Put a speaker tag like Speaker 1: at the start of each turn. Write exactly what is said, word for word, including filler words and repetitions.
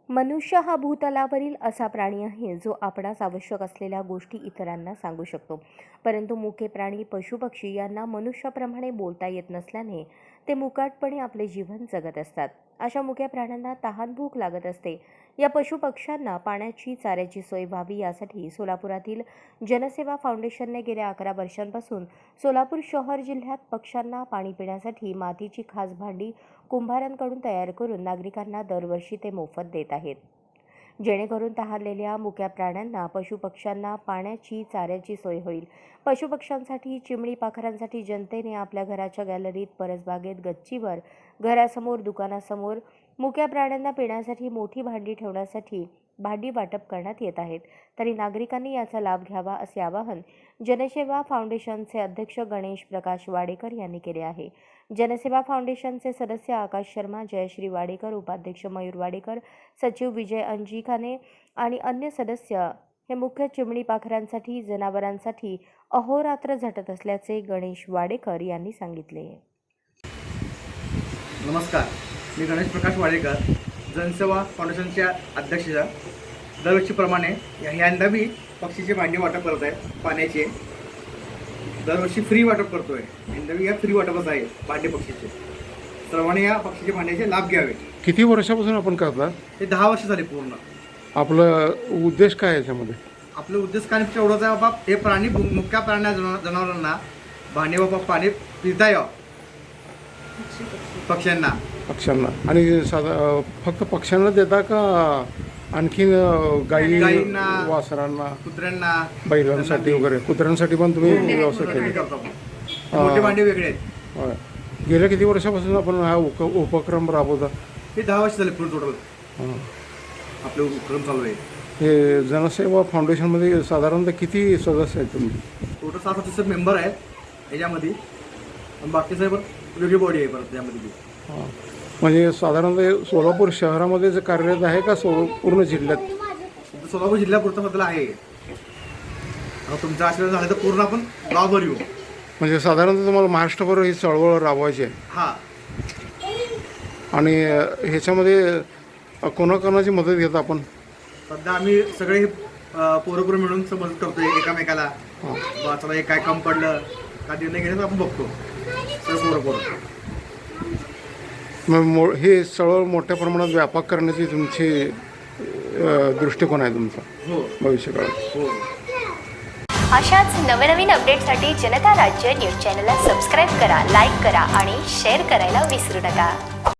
Speaker 1: मनुष्य हा भूतलावरील असा प्राणी आहे जो आपणास आवश्यक असलेल्या गोष्टी इतरांना सांगू शकतो, परंतु मुके प्राणी पशुपक्षी यांना मनुष्याप्रमाणे बोलता येत नसल्याने ते मुकाटपणे आपले जीवन जगत असतात. अशा मुक्या प्राण्यांना तहान भूक लागत असते. या पशुपक्ष्यांना पाण्याची चाऱ्याची सोय व्हावी यासाठी सोलापुरातील जनसेवा फाउंडेशनने गेल्या अकरा वर्षांपासून सोलापूर शहर जिल्ह्यात पक्ष्यांना पाणी पिण्यासाठी मातीची खास भांडी कुंभारांकडून तयार करून नागरिकांना दरवर्षी ते मोफत देत आहेत, जेणेकरून तहानलेल्या मुक्या प्राण्यांना पशुपक्ष्यांना पाण्याची चाऱ्याची सोय होईल. पशुपक्ष्यांसाठी, चिमणी पाखरांसाठी जनतेने आपल्या घराच्या गॅलरीत, परसबागेत, गच्चीवर, घरासमोर, दुकानासमोर मुक्या प्राण्यांना पिण्यासाठी मोठी भांडी ठेवण्यासाठी भांडी वाटप करण्यात येत आहेत. तरी नागरिकांनी याचा लाभ घ्यावा असे आवाहन जनसेवा फाउंडेशनचे अध्यक्ष गणेश प्रकाश वाडेकर यांनी केले आहे. जनसेवा फाउंडेशनचे सदस्य आकाश शर्मा, जयश्री वाडेकर, उपाध्यक्ष मयूर वाडेकर, सचिव विजय अंजिकाने आणि अन्य सदस्य हे मुख्य चिमणी पाखरांसाठी, जनावरांसाठी अहोरात्र झटत असल्याचे गणेश वाडेकर यांनी सांगितले.
Speaker 2: नमस्कार, मी गणेश प्रकाश वाडेकर, जनसेवा फाउंडेशनच्या अध्यक्षाच्या दरवर्षीप्रमाणे यंदा मी पक्षीचे भांडी वाटप करत आहे. पाण्याचे दरवर्षी फ्री वाटप करतो आहे. यंदा मी या फ्री वाटपच आहे भांडे पक्षीचे. सर्वांनी या पक्षीचे भांड्याचे लाभ घ्यावे.
Speaker 3: किती वर्षापासून आपण करता?
Speaker 2: हे दहा वर्ष झाले पूर्ण.
Speaker 3: आपलं उद्देश काय आहे याच्यामध्ये?
Speaker 2: आपलं उद्देश काय एवढंच आहे बाबा, हे प्राणी मुक्या प्राण्या जनावरांना भांडे बाबा पाणी पिता यावं पक्ष्यांना
Speaker 3: पक्ष्यांना आणि साधा फक्त पक्ष्यांना देता का आणखीन गाई,
Speaker 2: गाईंना,
Speaker 3: वासरांना,
Speaker 2: कुत्र्यांना,
Speaker 3: बैलांसाठी वगैरे? कुत्र्यांसाठी पण तुम्ही व्यवस्था केली?
Speaker 2: मोठे भांडे वेगळे आहेत.
Speaker 3: होय. गेल्या किती वर्षापासून आपण हा उप उपक्रम राबवता?
Speaker 2: हे दहा वर्ष झाले पूर्ण टोटल आपले उपक्रम चालू आहे.
Speaker 3: हे जनसेवा फाउंडेशनमध्ये साधारणतः किती सदस्य आहेत तुम्ही?
Speaker 2: टोटल सात सदस्य मेंबर आहेत याच्यामध्ये. बाकी साहेब वेगळी बॉडी आहे परत त्यामध्ये.
Speaker 3: हां, म्हणजे साधारणतः सोलापूर शहरामध्ये जे कार्यरत आहे का सो पूर्ण जिल्ह्यात?
Speaker 2: सोलापूर जिल्ह्यापुरतं मधलं आहे. तुमचा आशीर्वाद झाला तर पूर्ण आपण गावभर येऊ.
Speaker 3: म्हणजे साधारणतः तुम्हाला महाराष्ट्रभर ही चळवळ राबवायची आहे.
Speaker 2: हां,
Speaker 3: आणि ह्याच्यामध्ये कोणाकोणाची मदत घेतो आपण?
Speaker 2: सध्या आम्ही सगळे पोरं पोरं मिळून मदत करतोय एकमेकाला. चला हे काय काम पडलं का निर्णय घेण्याचं आपण बघतो सगळं पोरं पोरं.
Speaker 3: मग मो हे चळवळ मोठ्या प्रमाणात व्यापक करण्याची तुमची दृष्टिकोन आहे तुमचा?
Speaker 2: हो,
Speaker 3: भविष्यकाळात.
Speaker 2: हो.
Speaker 4: अशाच नवनवीन अपडेटसाठी जनता राज्य न्यूज चॅनलला सबस्क्राईब करा, लाईक करा आणि शेअर करायला विसरू नका.